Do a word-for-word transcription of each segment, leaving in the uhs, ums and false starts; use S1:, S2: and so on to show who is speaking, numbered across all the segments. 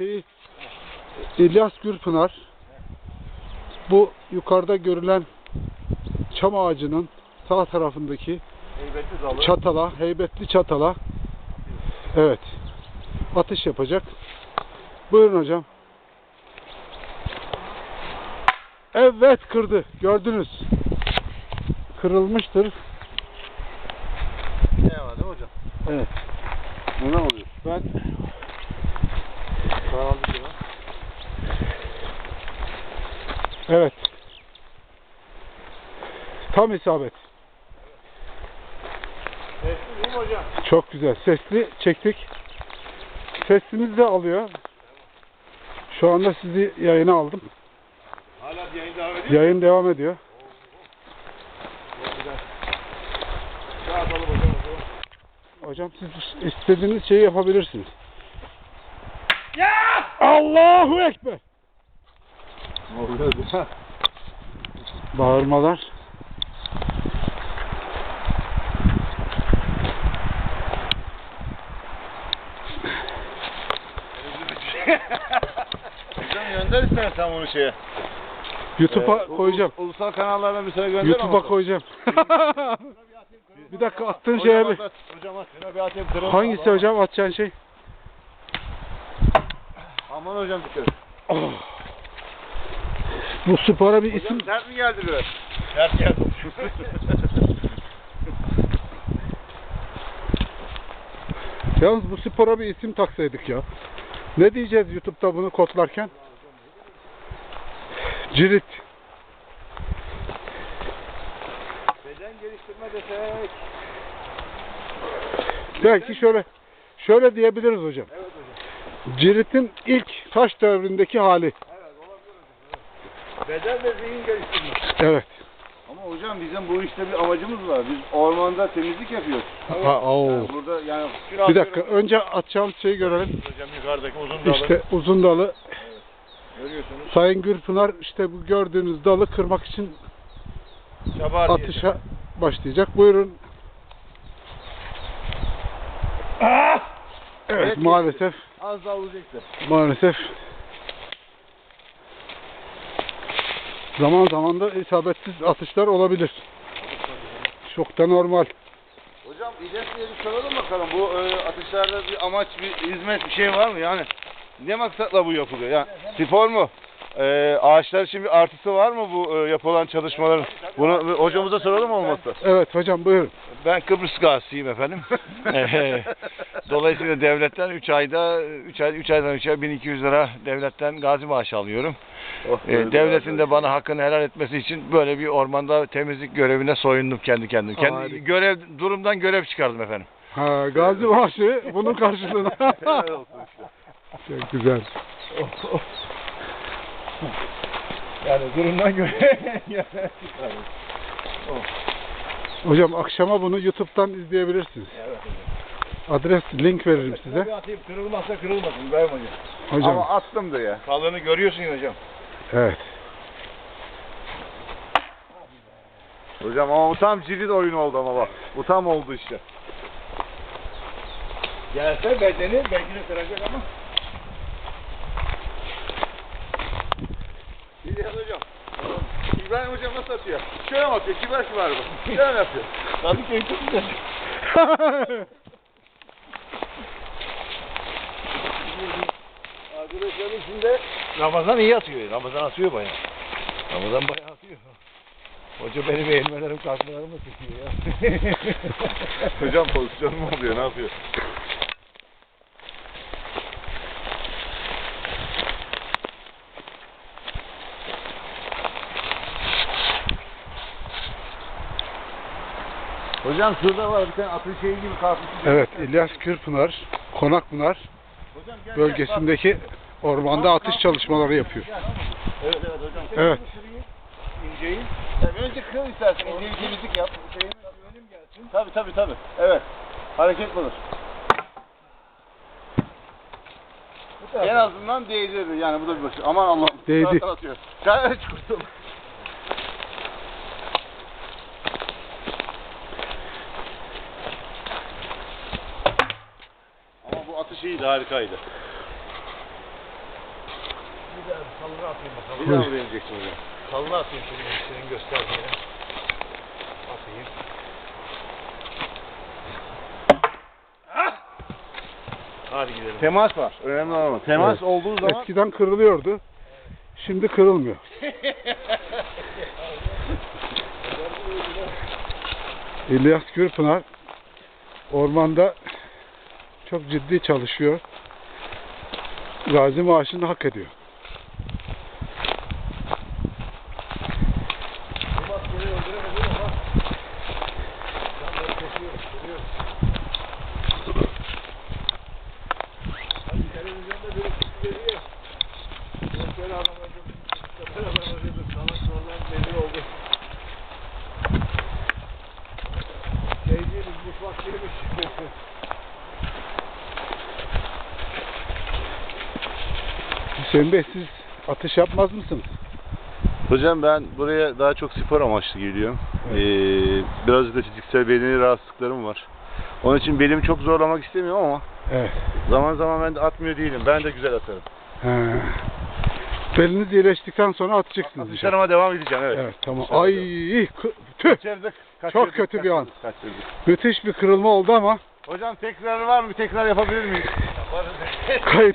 S1: şeyi İlyas Gürpınar bu yukarıda görülen çam ağacının sağ tarafındaki
S2: heybetli dalı.
S1: çatala, heybetli çatala evet atış yapacak. Buyurun hocam. Evet, kırdı. Gördünüz. Kırılmıştır.
S2: Ne var değil mi hocam?
S1: Evet.
S2: Ne oluyor?
S1: Ben
S2: Karanlık ya.
S1: evet. Tam isabet.
S2: Sesli değil mi hocam?
S1: Çok güzel. Sesli çektik. Sesimiz de alıyor. Şu anda sizi yayına aldım.
S2: Hala yayın devam ediyor.
S1: Yayın devam ediyor.
S2: Daha atalım hocam.
S1: Hocam siz istediğiniz şeyi yapabilirsiniz. Ya! Allahu Ekber!
S2: Ne oluyor?
S1: Bağırmalar.
S2: Hocam gönder istersen bunu şeye.
S1: YouTube'a
S2: Ee,
S1: koyacağım.
S2: u- Ulusal kanallarına bir gönder
S1: YouTube'a
S2: ama.
S1: koyacağım. Bir dakika, attığın şeye bir...
S2: Hocam at. Şuna bir atayım. Kırılma.
S1: Hangisi
S2: Aman.
S1: hocam atacağın şey?
S2: Aman hocam dikkat et.
S1: Oh. Bu spora bir
S2: Hocam
S1: isim...
S2: sert mi geldi böyle? Sert geldi.
S1: Yalnız bu spora bir isim taksaydık ya. Ne diyeceğiz YouTube'da bunu kodlarken? Cirit.
S2: Beden geliştirme desek.
S1: Belki şöyle şöyle diyebiliriz hocam.
S2: Evet hocam.
S1: Cirit'in ilk taş devrindeki hali.
S2: Evet olabilir hocam. Evet. Beden ve zihin geliştirme.
S1: Evet.
S2: Ama hocam bizim bu işte bir amacımız var. Biz ormanda temizlik yapıyoruz.
S1: Ha, oo.
S2: Yani burada yani
S1: Bir dakika, önce atacağım şeyi görelim.
S2: Hocam yukarıdaki uzun dalı.
S1: İşte uzun dalı.
S2: Görüyorsunuz.
S1: Sayın Gürpınar işte bu gördüğünüz dalı kırmak için
S2: Çabar
S1: atışa başlayacak. Buyurun. Evet,
S2: Evet,
S1: maalesef
S2: az daha olacaktı.
S1: maalesef zaman zaman da isabetsiz atışlar olabilir. Çok da normal.
S2: Hocam İlyas diye bir soralım bakalım. Bu e, atışlarda bir amaç, bir hizmet, bir şey var mı? Yani ne maksatla bu yapılıyor? Yani spor mu? E, ağaçlar için bir artısı var mı bu e, yapılan çalışmaların? Bunu hocamıza soralım olmazsa.
S1: Evet hocam, buyurun.
S3: Ben Kıbrıs gazisiyim efendim. Dolayısıyla devletten üç ayda üç ay üç aydan üç ay bin iki yüz lira devletten gazi maaşı alıyorum.
S2: Oh,
S3: Ee, devletin de bana hakkını helal etmesi için böyle bir ormanda temizlik görevine soyundum kendi kendime. Kendi
S1: Harika.
S3: görev durumdan görev çıkardım efendim.
S1: Ha, gazi maaşı bunun karşılığında.
S2: Helal olsun işte.
S1: Çok güzel.
S2: Yani durumdan göre çıkardım.
S1: Hocam akşama bunu YouTube'dan izleyebilirsiniz.
S2: Evet
S1: Adres, link veririm size.
S2: Bir atayım, kırılmazsa kırılmasın İbrahim hocam.
S1: Hocam.
S2: Ama attım da ya. Kalını görüyorsun ya hocam.
S1: Evet.
S2: Hocam ama bu tam cirit oyunu oldu ama bak. Bu tam oldu işte. Gelse bedeni belki de kıracak ama. İlyas hocam. İbrahim hocam nasıl atıyor? Şöyle mi atıyor? Kibar kibar bu. Şöyle mi yapıyor? Tabii ki çok güzel. Arkadaşlarım içinde
S3: Ramazan iyi atıyor. Ramazan atıyor bayağı. Ramazan bayağı atıyor. Hoca benim eğilmelerim kalkmalarımı tutuyor ya.
S2: hocam pozisyon mu oluyor? Ne yapıyor? Hocam şurada var bir tane atın şeyi gibi kalkmış.
S1: Evet, İlyas Gürpınar, Konakpınar
S2: Hocam gel,
S1: bölgesindeki ormanda atış çalışmaları yapıyor.
S2: gel. Evet evet hocam.
S1: Evet.
S2: İnceyi. Yani önce kıl istersen inceyi temizlik yap. Şeyini önüm gelsin. Tabii tabii tabii. Evet. Hareket bulur. En azından değdirdi yani bu da bir başı. Aman Allah'ım.
S1: Değdi.
S2: Zaten atıyor. Gayet kurtul. Ama bu atış iyiydi, harikaydı.
S3: bir daha salına atayım bakalım.
S2: Bir daha mı deneyeceksin hocam?
S3: Salına atayım şimdi senin gösterdiğine. Atayım. Hadi gidelim.
S2: Temas var. Önemli olan o. Temas
S1: Evet.
S2: olduğu zaman
S1: Eskiden kırılıyordu. Şimdi kırılmıyor. İlyas Gürpınar ormanda çok ciddi çalışıyor. Gazi maaşını hak ediyor.
S3: Bu maskeyi öldüremedim ama ben böyle kesiyorum, kırıyorum. Hani televizyonda biri çıktı dedi ya. Böyle adam öldürdüm, böyle adam öldürdüm. Sana sonradan belli oldu. Şey değiliz, mutfak değilmiş.
S1: Hüseyin Bey, siz atış yapmaz mısınız?
S2: hocam ben buraya daha çok spor amaçlı geliyorum. Ee, birazcık da fiziksel bedeni rahatsızlıklarım var. Onun için belimi çok zorlamak istemiyorum ama
S1: Evet.
S2: zaman zaman ben de atmıyor değilim. Ben de güzel atarım.
S1: He. Beliniz iyileştikten sonra atacaksınız. inşallah.
S2: Atışlarıma devam edeceğim, evet.
S1: Evet, tamam.
S2: İnşallah.
S1: Ay, kı- tüh.
S2: Kaçırdık.
S1: Çok kötü bir an.
S2: Kaçırdık.
S1: Müthiş bir kırılma oldu ama
S2: Hocam tekrarı var mı? Tekrar yapabilir miyiz?
S1: kayıt.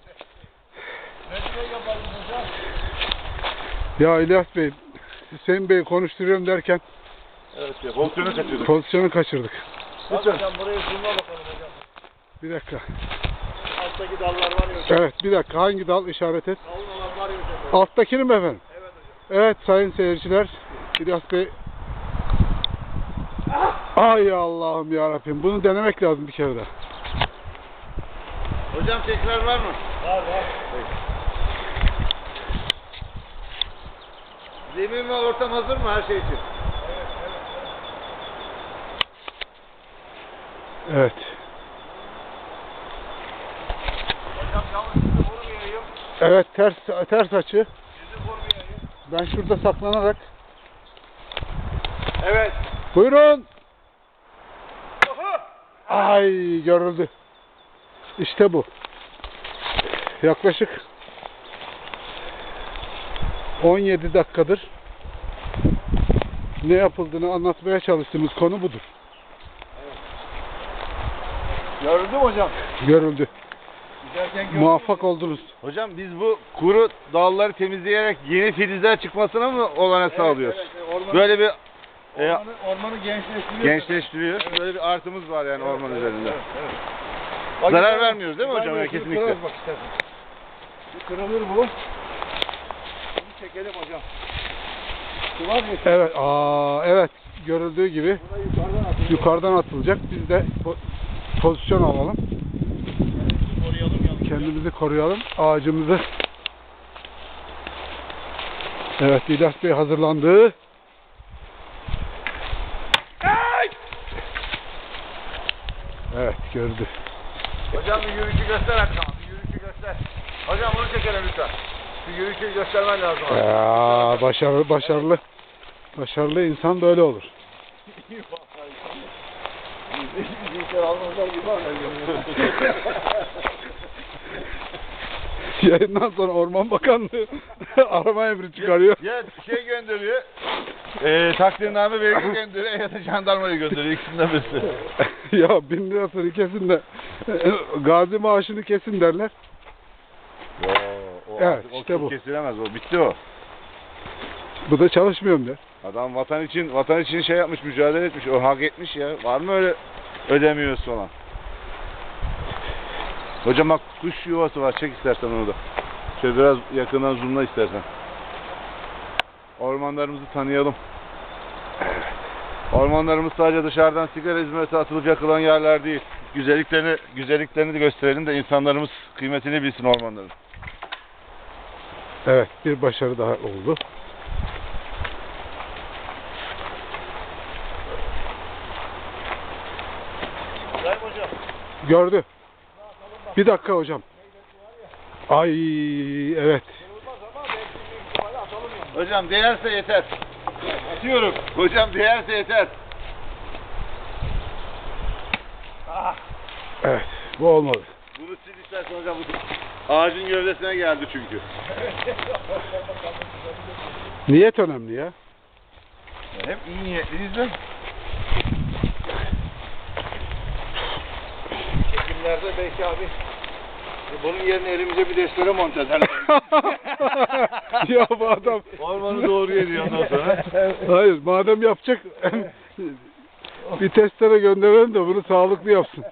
S1: Ya İlyas Bey, Hüseyin Bey'i konuşturuyorum derken
S2: Evet ya. Pozisyonu kaçırdık.
S1: pozisyonu kaçırdık.
S3: Hadi hocam buraya zoomla bakalım hocam.
S1: Bir dakika.
S3: Alttaki dallar var ya hocam.
S1: Evet, bir dakika. Hangi dal işaret et?
S3: Dalın olan var ya hocam.
S1: Alttakini mi efendim?
S3: Evet hocam.
S1: Evet sayın seyirciler. İlyas Bey. Ay Allah'ım ya Rabbim. Bunu denemek lazım bir kere daha.
S2: Hocam tekrar var mı?
S3: Var var.
S2: Zemin ve ortam hazır mı her şey için?
S1: Evet.
S3: Hocam yalnız sizi vurmayayım.
S1: Evet, ters ters açı.
S3: Sizi vurmayayım.
S1: Ben şurada saklanarak.
S3: Evet.
S1: Buyurun. Ay, görüldü. İşte bu. Yaklaşık on yedi dakikadır ne yapıldığını anlatmaya çalıştığımız konu budur.
S3: Gördün mü hocam?
S1: Görüldü.
S3: Giderken gördüm.
S1: Muvaffak oldunuz.
S2: Hocam biz bu kuru dalları temizleyerek yeni filizler çıkmasına mı olanak sağlıyoruz?
S3: Evet, evet, ormanı,
S2: Böyle bir e,
S3: ormanı, ormanı gençleştiriyor.
S2: gençleştiriyor. Böyle bir artımız var yani orman üzerinde.
S3: Evet, evet. Bak,
S2: Zarar
S3: gidelim.
S2: vermiyoruz değil mi hocam?
S3: Vermiyoruz,
S2: Ya, kesinlikle.
S3: kırarız bak istersen. Bir kırılır bu. Bunu çekelim hocam. Şu var mı?
S1: Evet, aa, evet görüldüğü gibi
S3: Buna yukarıdan atılıyor.
S1: yukarıdan atılacak. Biz de po- pozisyon alalım.
S3: Koruyalım yalnız.
S1: Kendimizi koruyalım. Ağacımızı. Evet, İlyas Bey hazırlandı. Evet, gördü.
S2: Hocam bir yürüyüşü göster Hakan. Bir yürüyüşü göster. Hocam bunu çekelim lütfen. Bir yürüyüşü göstermen lazım. abi.
S1: Ya, başarılı, başarılı. Başarılı insan böyle olur.
S3: Bizimkiler almazlar gibi var.
S1: Yayından sonra Orman Bakanlığı arama emri çıkarıyor.
S2: Ya şey gönderiyor. Eee takdirname belge gönderiyor ya da jandarmayı gönderiyor. İkisinden birisi.
S1: Ya bin lirasını kesin de gazi maaşını kesin derler.
S2: Yo, o
S1: Evet,
S2: artık o
S1: işte
S2: çok
S1: bu.
S2: kesilemez o. Bitti o.
S1: Bu da çalışmıyorum der.
S2: Adam vatan için vatan için şey yapmış, mücadele etmiş. O hak etmiş ya. Var mı öyle ödemiyoruz falan. Hocam bak kuş yuvası var. Çek istersen onu da. Şöyle biraz yakından zoomla istersen. Ormanlarımızı tanıyalım. Ormanlarımız sadece dışarıdan sigara hizmeti atılıp yakılan yerler değil. Güzelliklerini, güzelliklerini de gösterelim de insanlarımız kıymetini bilsin ormanların.
S1: Evet, bir başarı daha oldu.
S3: İbrahim hocam.
S1: Gördü. Bir dakika hocam. Ay, evet.
S3: Kırılmaz ama belki bir ihtimalle atalım yani.
S2: Hocam değerse yeter. Atıyorum. Hocam değerse yeter.
S3: Ah.
S1: Evet, bu olmadı.
S2: Bunu sil istersen hocam. Bu ağacın gövdesine geldi çünkü.
S1: Niyet önemli ya.
S3: Hep iyi niyetliyiz de. Çekimlerde belki abi e, bunun yerine elimize bir destere monte ederler.
S1: Ya bu adam...
S2: Ormanı doğru yediyor ondan sonra.
S1: Hayır, madem yapacak bir testere gönderelim de bunu sağlıklı yapsın.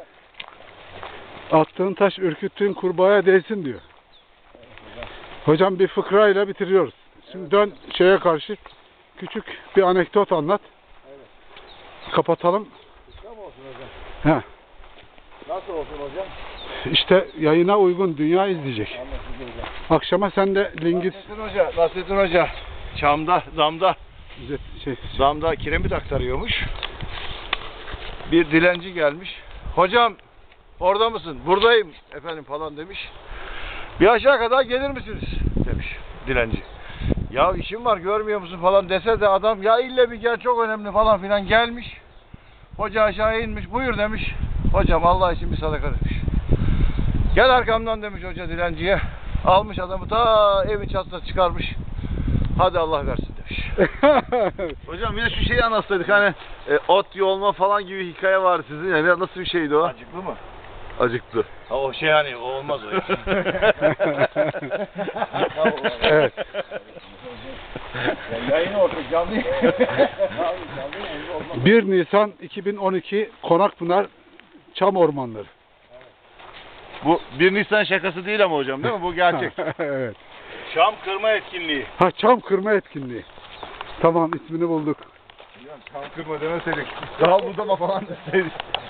S1: Attığın taş ürküttüğün kurbağaya değsin diyor. Hocam bir fıkrayla bitiriyoruz. Şimdi dön şeye karşı küçük bir anekdot anlat. Kapatalım.
S3: Tamam olsun hocam.
S1: He.
S3: Nasıl olsun hocam?
S1: İşte yayına uygun dünya izleyecek.
S3: Anlaşıldı hocam.
S1: Akşama sen de Lingis
S3: Nasrettin Hoca, Nasrettin Hoca. Çamda, damda,
S1: şey,
S3: damda kiremit aktarıyormuş. Bir dilenci gelmiş. Hocam orada mısın? Buradayım efendim falan demiş. Bir aşağı kadar gelir misiniz? Demiş dilenci. Ya işim var görmüyor musun falan dese de adam ya ille bir gel çok önemli falan filan gelmiş. Hoca aşağı inmiş buyur demiş. Hocam Allah için bir sadaka demiş. Gel arkamdan demiş hoca dilenciye. Almış adamı ta evin çatısına çıkarmış. Hadi Allah versin demiş.
S2: Hocam bir de şu şeyi anlatsaydık hani e, ot yolma falan gibi hikaye var sizin. Yani nasıl bir şeydi o?
S3: Acıklı mı?
S2: Acıktı.
S3: Ha, o şey hani o olmaz o iş.
S1: Evet.
S3: Yayını orada canlı.
S1: bir Nisan iki bin on iki Konakpınar Çam Ormanları.
S2: Bu bir Nisan şakası değil ama hocam değil mi? Bu gerçek.
S1: Evet.
S3: Şam kırma etkinliği.
S1: Ha, çam kırma etkinliği. Tamam, ismini bulduk.
S3: Şam kırma demeseydik. Dal budama falan deseydik.